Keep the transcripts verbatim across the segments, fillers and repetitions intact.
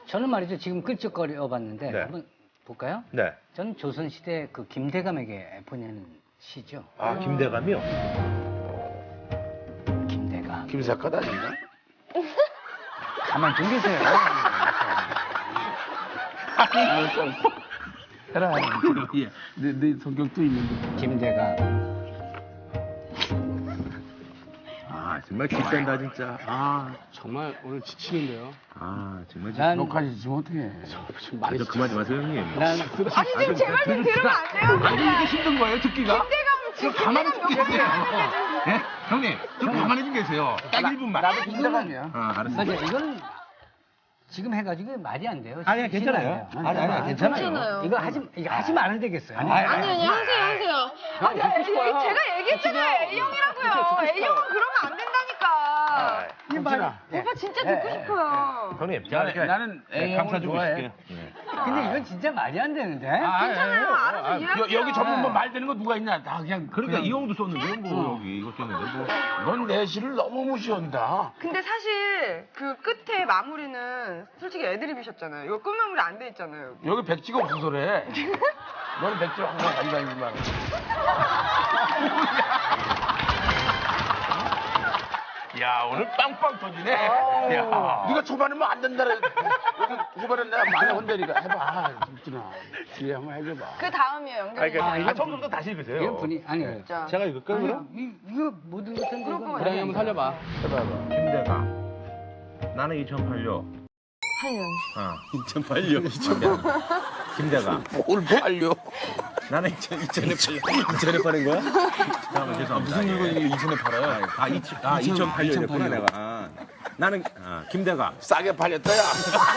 저는 말이죠. 지금 끌적거려 봤는데 네. 한번 볼까요? 네. 저는 조선시대 그 김대감에게 보내는 시죠. 아, 김대감이요? 김대감. 김사갓 아닌가? 가만 좀 계세요. 해라. 예. 내, 내 성격도 있는데. 김대감. 아, 정말 기센다, 진짜. 아, 정말 오늘 지치는데요. 아, 정말 진짜. 난, 녹화지 지금 어떡해. 좀 많이 그만 좀 하세요, 형님. 난 아니 지금 제 말 좀 들으면 안 돼요? 아니, 이게 힘든 거예요, 듣기가? 김대감 지금 가만히 좀 김대감 계세요. 몇 예? 형님, 좀 가만히 좀 계세요. 딱 일 분만. 나도 김대감이야. 아, 알았어. 맞아. 이거는 지금 해가지고 말이 안 돼요. 아니야, 괜찮아요. 아니, 아니, 괜찮아요. 괜찮아요. 이거 하지, 이거 하지 말아야 되겠어요. 아니, 아니 아니 하세요 하세요. 아니 아니 제가 얘기했잖아요. A형이라고요. A형은 그러면 안 된다니까. 이 말. 오빠 진짜 듣고 싶어요. 형님, 제가 나는- 이렇게 나는 네, A형을 감싸주고 좋아해. 있을게요. 네. 근데 이건 진짜 말이 안 되는데. 아, 괜찮아요. 아, 알아서 아, 이해할게요. 여, 기 전부 뭐말 되는 거 누가 있냐? 다 그냥. 그러니까 그냥 이 형도 썼는데, 뭐, 여기 이거 썼는데, 뭐. 넌 내시를 너무 무시한다. 근데 사실 그 끝에 마무리는 솔직히 애드립이셨잖아요. 이거 끝 마무리 안 돼 있잖아요. 여기. 여기 백지가 없어서래. 너는 백지를 항상 가지고 다니지만. 야, 오늘 빵빵 터지네. 야. 네가 초반에 뭐 안 된다 그래. 후반에 내가 많이 혼내니까 해봐. 김진아. 뒤에 한번 해줘봐. 그 다음이에요. 아니, 연결이. 그러니까, 아, 아, 이거 처음부터 다시 읽으세요. 이거 분이 아니. 자. 제가 읽을까요, 아니, 그럼? 이, 이거 모든 것은 그럴 거면 그냥 한번 살려봐. 해봐, 해봐. 김대감. 나는 이천팔 년. 한 년. 어. 이천팔 년. 김대감. 뭘 빨려. 나는 이천에 팔은 거야? 잠깐만, 죄송합니다. 무슨 물건이 이천에 팔아요? 아, 이천, 아 이천팔 년이었구나, 내가. 아, 나는, 아, 김대감. 싸게 팔렸다, 야.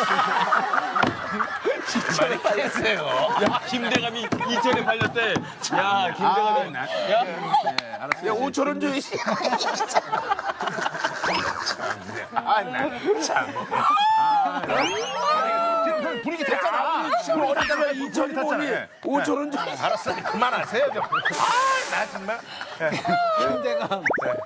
많이 팔렸어요. 야, 김대감이 이천에 팔렸대. 야, 김대감이. 야, 네, 알았어. 야, 오천 원 줘, 이 씨. 아, 나 참. 아, 분위기 됐잖아. 지금 어디다가 이천 원이 오천 원 줘. 알았어, 그만하세요, 좀. 아, 나 정말. 김대감.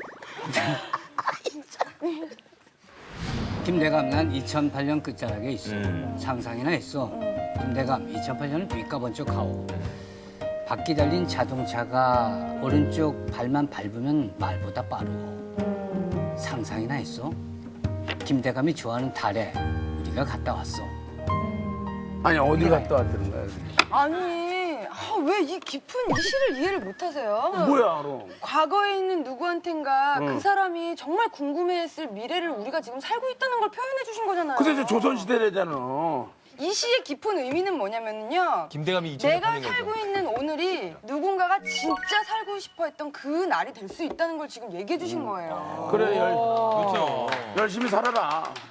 김대감 난 이천팔 년 끝자락에 있어. 음. 상상이나 했어. 김대감 이천팔 년을 뒷가본쪽 가오. 바퀴 달린 자동차가 오른쪽 발만 밟으면 말보다 빠르고. 상상이나 했어. 김대감이 좋아하는 달에 우리가 갔다 왔어. 아니, 어디 갔다 왔다는 거야? 아니 아, 왜 이 깊은 이 시를 이해를 못하세요? 뭐야, 그럼? 과거에 있는 누구한텐가 그 사람이 정말 궁금해했을 미래를 우리가 지금 살고 있다는 걸 표현해 주신 거잖아요. 근데 저 조선시대래잖아. 이 시의 깊은 의미는 뭐냐면요. 김대감이 내가 살고 있는 오늘이 누군가가 진짜 살고 싶어 했던 그 날이 될 수 있다는 걸 지금 얘기해 주신 거예요. 그래, 열, 그렇죠. 열심히 살아라.